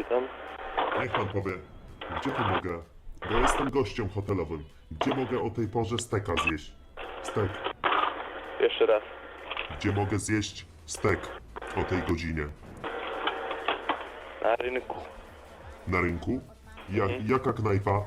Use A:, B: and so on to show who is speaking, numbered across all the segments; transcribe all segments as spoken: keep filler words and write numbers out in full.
A: Witam.
B: Niech pan powie, gdzie tu mogę? Bo jestem gościem hotelowym. Gdzie mogę o tej porze steka zjeść? Stek.
A: Jeszcze raz.
B: Gdzie mogę zjeść stek o tej godzinie?
A: Na rynku.
B: Na rynku? Ja, jaka knajpa?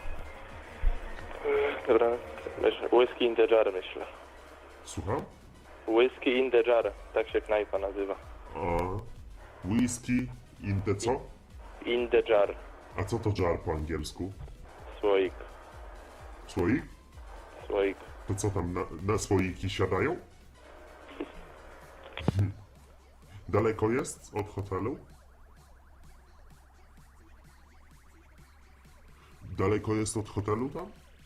A: Dobra. Myślę. Whisky in the jar, myślę.
B: Słucham?
A: Whisky in the jar. Tak się knajpa nazywa.
B: A, whisky in the co?
A: In the jar.
B: A co to jar po angielsku?
A: Słoik.
B: Słoik?
A: Słoik.
B: To co tam, na, na słoiki siadają? Hm. Daleko jest od hotelu? Daleko jest od hotelu tam?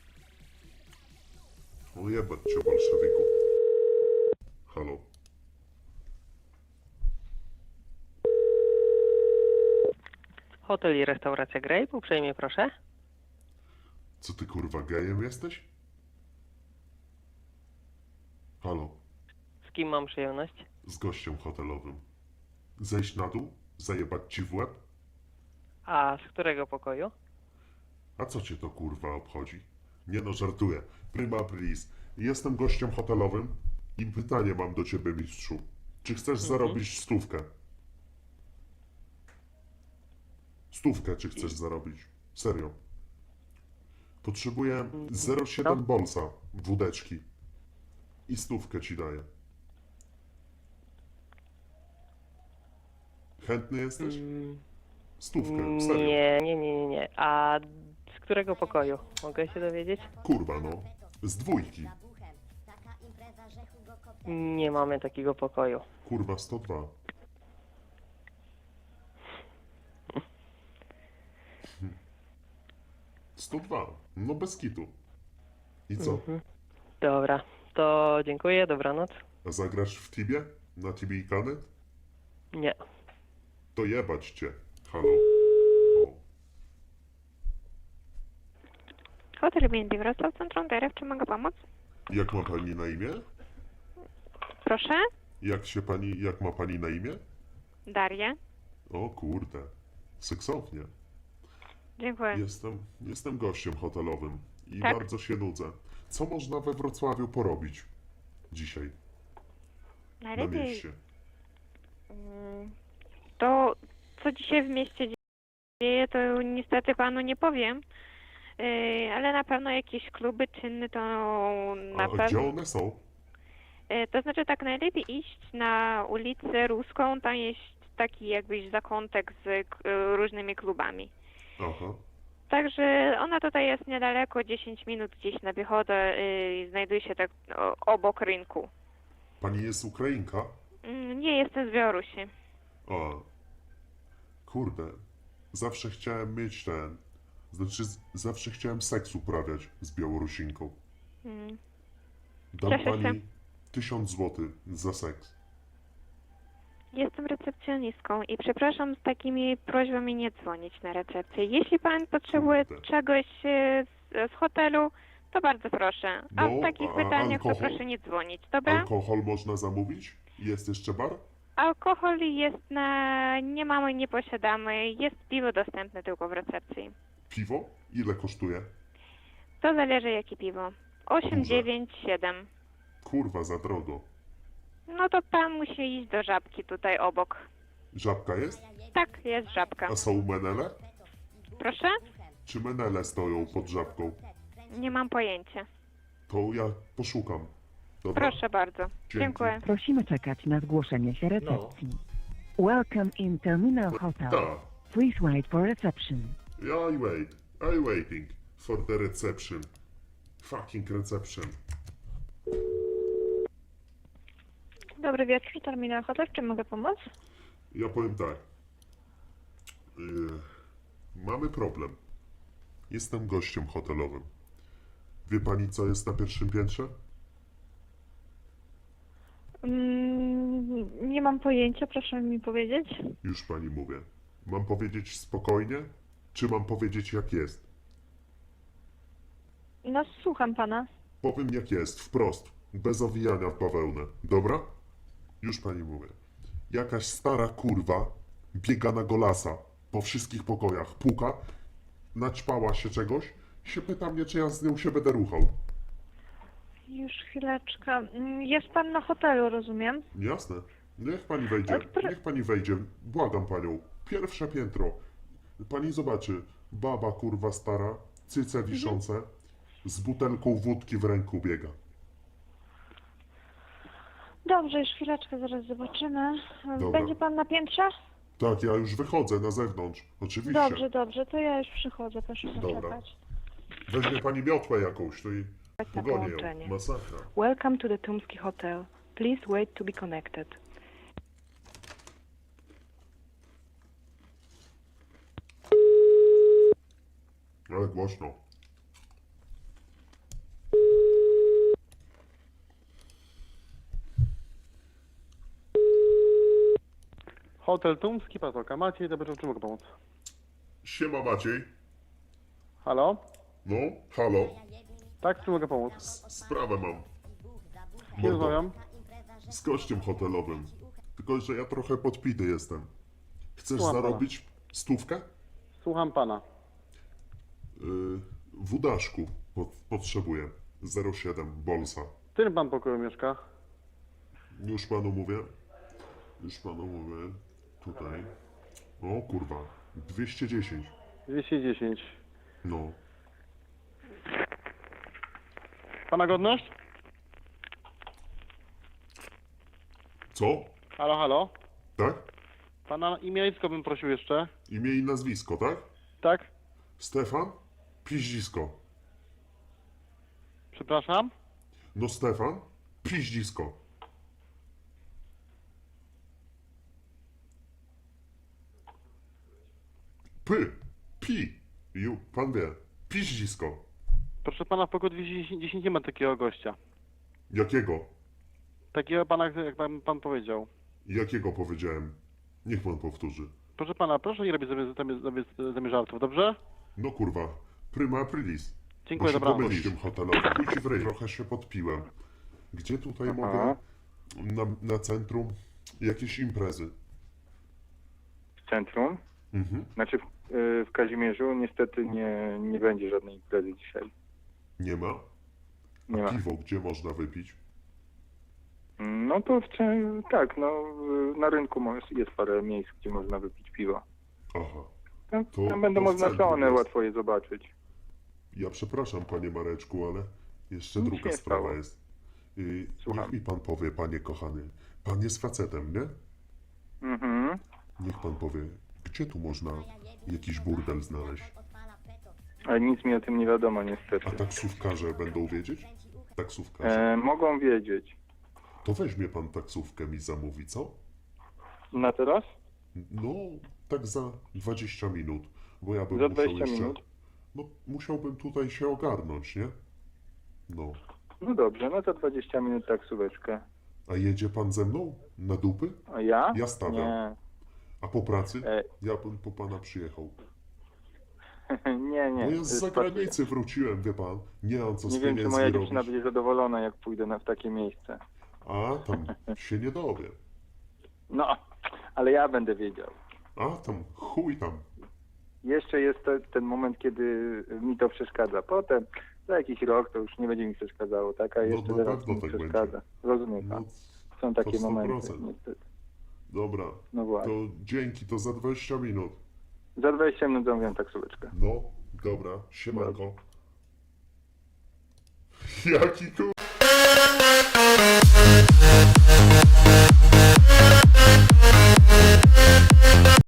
B: O jebać cię, bolszewiku. Halo?
C: Hotel i restauracja Grape, uprzejmie proszę.
B: Co ty kurwa gejem jesteś? Halo?
C: Z kim mam przyjemność?
B: Z gościem hotelowym. Zejść na dół? Zajebać ci w łeb?
C: A z którego pokoju?
B: A co cię to kurwa obchodzi? Nie no, żartuję. Prima aprilis. Jestem gościem hotelowym i pytanie mam do ciebie, mistrzu. Czy chcesz zarobić stówkę? Stówkę czy chcesz zarobić? Serio. Potrzebuję zero przecinek siedem bolsa, wódeczki. I stówkę ci daję. Chętny jesteś? Stówkę, serio.
C: Nie, nie, nie, nie, nie. A z którego pokoju? Mogę się dowiedzieć?
B: Kurwa no. Z dwójki.
C: Nie mamy takiego pokoju.
B: Kurwa, sto dwa. sto dwa. No bez kitu. I co?
C: Dobra, to dziękuję, dobranoc.
B: A zagrasz w Tibie? Na Tibie i Kanet?
C: Nie.
B: To jebać cię. Halo? O.
D: Hotel B and B Wrocław, Centrum D R F, czy mogę pomóc?
B: Jak ma pani na imię?
D: Proszę?
B: Jak się pani, jak ma pani na imię?
D: Daria.
B: O kurde. Seksownie.
D: Dziękuję.
B: Jestem, jestem gościem hotelowym i
D: Tak?
B: bardzo się nudzę. Co można we Wrocławiu porobić dzisiaj na
D: Najlepiej
B: mieście?
D: mm, to, co dzisiaj w mieście dzieje, to niestety panu nie powiem. Yy, ale na pewno jakieś kluby czynne to na
B: A
D: pewno.
B: gdzie one są?
D: Yy, to znaczy tak najlepiej iść na ulicę Ruską, tam jest taki jakbyś zakątek z k- różnymi klubami.
B: Aha.
D: Także ona tutaj jest niedaleko, dziesięć minut gdzieś na piechotę, yy, znajduje się tak o, obok rynku.
B: Pani jest Ukrainka?
D: Mm, Nie jestem z Białorusi.
B: A. Kurde. Zawsze chciałem mieć ten... Znaczy, z- zawsze chciałem seks uprawiać z Białorusinką.
D: Mm.
B: Dam
D: Cieszę się.
B: pani tysiąc złotych za seks.
D: Jestem recepcjonistką i przepraszam, z takimi prośbami nie dzwonić na recepcję. Jeśli pan potrzebuje
B: Kurde.
D: czegoś e, z, z hotelu, to bardzo proszę. A
B: No,
D: w takich
B: a
D: pytaniach to
B: alkohol?
D: proszę nie dzwonić, dobra?
B: Alkohol można zamówić? Jest jeszcze bar?
D: Alkohol jest na... nie mamy, nie posiadamy. Jest piwo dostępne tylko w recepcji.
B: Piwo? Ile kosztuje?
D: To zależy jakie piwo. osiem,
B: Duże.
D: dziewięć, siedem.
B: Kurwa, za drogo.
D: No to pan musi iść do Żabki tutaj obok.
B: Żabka jest?
D: Tak, jest Żabka.
B: A są menele?
D: Proszę?
B: Czy menele stoją pod żabką?
D: Nie mam pojęcia.
B: To ja poszukam. Dobra?
D: Proszę bardzo. Dziękuję.
E: Prosimy czekać na zgłoszenie się recepcji. Welcome in Terminal Hotel.
B: Tak.
E: Please wait for reception.
B: I wait. I waiting for the reception. Fucking reception.
D: Dobry wieczór, Terminal Hotel. Czy mogę pomóc?
B: Ja powiem tak. Yy, mamy problem. Jestem gościem hotelowym. Wie pani, co jest na pierwszym piętrze?
D: Mm, nie mam pojęcia, proszę mi powiedzieć.
B: Już pani mówię. Mam powiedzieć spokojnie, czy mam powiedzieć jak jest?
D: No, słucham pana.
B: Powiem jak jest, wprost, bez owijania w bawełnę. Dobra? Już pani mówię. Jakaś stara kurwa biega na golasa po wszystkich pokojach. Puka, naćpała się czegoś, się pyta mnie, czy ja z nią się będę ruchał.
D: Już chwileczkę. Mm, Jest pan na hotelu, rozumiem?
B: Jasne. Niech pani wejdzie,
D: Odpr-
B: niech pani wejdzie. Błagam panią. Pierwsze piętro. Pani zobaczy. Baba kurwa stara, cyce wiszące, z butelką wódki w ręku biega.
D: Dobrze, już chwileczkę, zaraz zobaczymy.
B: Dobra.
D: Będzie pan na piętrze?
B: Tak, ja już wychodzę na zewnątrz. Oczywiście.
D: Dobrze, dobrze, to ja już przychodzę, proszę
B: Dobra.
D: poczekać.
B: Weźmie pani miotłę jakąś, to i
C: Na
B: pogonię
C: połączenie.
B: ją. Masakra.
C: Welcome to the Tumski Hotel. Please wait to be connected.
B: Ale głośno.
F: Hotel Tumski, Patoka. Maciej, dobrze, czy mogę pomóc?
B: Siema Maciej.
F: Halo?
B: No, halo.
F: Tak, czy mogę pomóc?
B: S- Sprawę mam.
F: Nie rozmawiam.
B: Z gościem hotelowym. Tylko, że ja trochę podpity jestem. Chcesz
F: Słucham pana.
B: zarobić stówkę?
F: Słucham pana.
B: Yy, w Udaszku po, potrzebuję. zero siedem, Bolsa.
F: W którym pan pokoju mieszka?
B: Już panu mówię. Już panu mówię. Tutaj. O kurwa. dwieście dziesięć.
F: dwieście dziesięć.
B: No.
F: Pana godność?
B: Co?
F: Halo, halo?
B: Tak?
F: Pana imię i nazwisko bym prosił jeszcze.
B: Imię i nazwisko, tak?
F: Tak?
B: Stefan? Piździsko.
F: Przepraszam?
B: No Stefan? Piździsko. Py. Pi. Ju, pan wie. Piździsko.
F: Proszę pana, w pokoju dwieście dziesięć nie ma takiego gościa.
B: Jakiego?
F: Takiego pana, jak pan, pan powiedział.
B: Jakiego powiedziałem? Niech pan powtórzy.
F: Proszę pana, proszę nie robić sobie, sobie, sobie, sobie żartów, dobrze?
B: No kurwa. Prima aprilis.
F: Dziękuję,
B: Bo się
F: dobranoc.
B: pomylić tym hotelowym. Chuj ci w ryj. Trochę się podpiłem. Gdzie tutaj mogę? Na, na centrum jakieś imprezy.
G: W centrum.
B: Mhm.
G: Znaczy w, y, w Kazimierzu niestety nie, nie będzie żadnej imprezy dzisiaj.
B: Nie ma?
G: Nie ma.
B: Piwo gdzie można wypić?
G: No to w, cze- tak, no y, na rynku mo- jest parę miejsc, gdzie można wypić piwo.
B: Aha.
G: Tam,
B: To-
G: tam będą
B: to w
G: oznaczone,
B: centrum jest.
G: łatwo je zobaczyć.
B: Ja przepraszam, panie Mareczku, ale jeszcze
G: Nic
B: druga
G: nie
B: sprawa
G: stało.
B: jest. Yy,
G: Słucham.
B: niech mi pan powie, panie kochany. Pan jest facetem, nie?
G: Mhm.
B: Niech pan powie, gdzie tu można jakiś burdel znaleźć?
G: Ale nic mi o tym nie wiadomo
B: A
G: niestety.
B: taksówkarze będą wiedzieć? Taksówkarze.
G: E, mogą wiedzieć.
B: To weźmie pan taksówkę mi zamówi, co?
G: Na teraz?
B: No, tak za dwadzieścia minut, bo ja bym
G: Za
B: musiał
G: dwadzieścia
B: jeszcze...
G: minut?
B: No, musiałbym tutaj się ogarnąć, nie? No.
G: No dobrze, no za dwadzieścia minut taksóweczkę.
B: A jedzie pan ze mną? Na dupy?
G: A ja?
B: Ja stawiam.
G: Nie.
B: A po pracy?
G: E,
B: Ja bym po pana przyjechał.
G: nie, nie.
B: Bo ja z
G: y,
B: zagranicy wróciłem, wie pan. Nie mam co z
G: Nie wiem, czy
B: pieniędzmi
G: moja
B: robić.
G: dziewczyna będzie zadowolona, jak pójdę na, w takie miejsce.
B: A, tam się nie dowie.
G: No, ale ja będę wiedział.
B: A, tam chuj tam.
G: Jeszcze jest te, ten moment, kiedy mi to przeszkadza. Potem, za jakiś rok, to już nie będzie mi przeszkadzało, tak? A
B: No,
G: jeszcze
B: na
G: teraz
B: pewno
G: mi
B: tak
G: przeszkadza. Rozumie pan?
B: No,
G: Są takie
B: sto
G: momenty,
B: procent.
G: niestety.
B: dobra,
G: No właśnie.
B: to dzięki, to za dwadzieścia minut.
G: Za dwadzieścia minut zamówiłem taksóweczkę.
B: No, dobra, siemanko. Jaki kur...